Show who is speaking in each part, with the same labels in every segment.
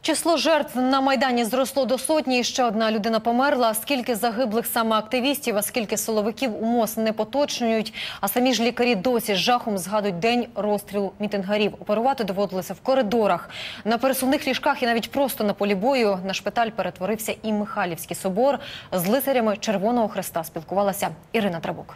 Speaker 1: Число жертв на Майдані зросло до сотні, і ще одна людина померла. Скільки загиблих саме активістів, а скільки силовиків у МОЗ не поточнюють. А самі ж лікарі досі з жахом згадують день розстрілу мітингарів. Оперувати доводилося в коридорах, на пересувних ліжках і навіть просто на полі бою. На шпиталь перетворився і Михайлівський собор. З лицарями Червоного Хреста спілкувалася Ірина Драбок.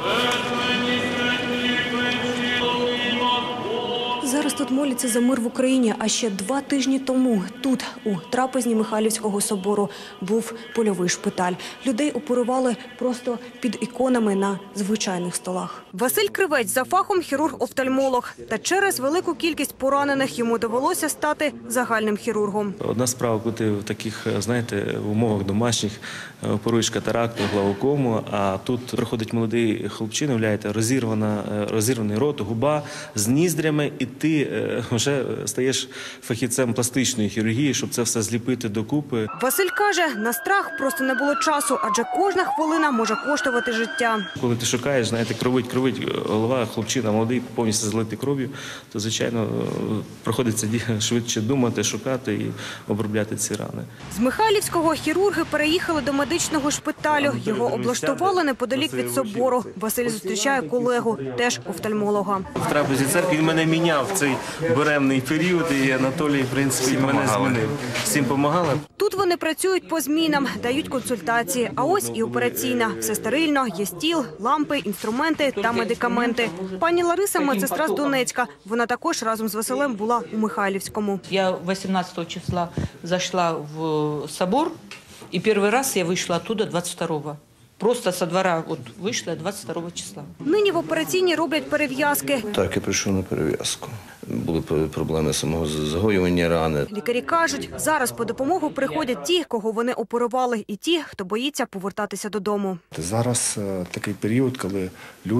Speaker 2: Зараз тут моляться за мир в Україні, а ще 2 тижні тому тут, у трапезні Михайлівського собору, був польовий шпиталь. Людей оперували просто під іконами на звичайних столах. Василь Кривець за фахом хірург-офтальмолог. Та через велику кількість поранених йому довелося стати загальним хірургом.
Speaker 3: Одна справа, коли ти в таких, знаєте, умовах домашніх оперуєш катаракту, глаукому, а тут приходить молодий хлопчина, уявляєте, розірваний рот, губа з ніздрями, і ти вже стаєш фахівцем пластичної хірургії, щоб це все зліпити докупи.
Speaker 2: Василь каже, на страх просто не було часу, адже кожна хвилина може коштувати життя.
Speaker 3: Коли ти шукаєш, знаєте, кровить голова, хлопчина молодий, повністю залитий кров'ю, то, звичайно, приходиться швидше думати, шукати і обробляти ці рани.
Speaker 2: З Михайлівського хірурги переїхали до медичного шпиталю. Його облаштували неподалік від собору. Василь зустрічає колегу, теж офтальмолога.
Speaker 3: В трапезі церкви він мене міняв в цей буремний період, і Анатолій, в принципі, мене змінив. Всім допомагали.
Speaker 2: Тут вони працюють по змінам, дають консультації. А ось і операційна. Все стерильно, є стіл, лампи, інструменти та медикаменти. Пані Лариса – медсестра з Донецька. Вона також разом з Василем була у Михайлівському.
Speaker 4: Я 18 числа зайшла в собор, и первый раз я вышла оттуда 22-го. Просто со двора вийшла 22 числа.
Speaker 2: Нині в операційній роблять перев'язки.
Speaker 5: Так, я прийшов на перев'язку. Були проблеми самого загоювання рани.
Speaker 2: Лікарі кажуть, зараз по допомогу приходять ті, кого вони оперували, і ті, хто боїться повертатися додому.
Speaker 6: Зараз такий період, коли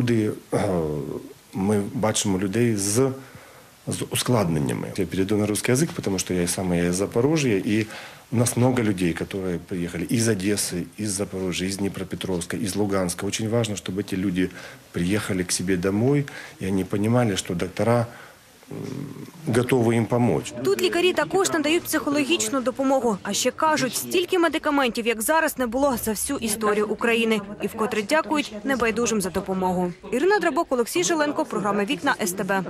Speaker 6: ми бачимо людей з ускладненнями. Я перейду на русский язык, потому что я из Запорожья, и у нас много людей, которые приехали из Одессы, из Запорожья, из Днепропетровска, из Луганска. Очень важно, чтобы эти люди приехали к себе домой, и они понимали, что доктора готові їм допомогти.
Speaker 2: Тут лікарі також надають психологічну допомогу. А ще кажуть, стільки медикаментів, як зараз, не було за всю історію України. І вкотре дякують небайдужим за допомогу. Ірина Драбок, Олексій Жиленко, програма «Вікна СТБ».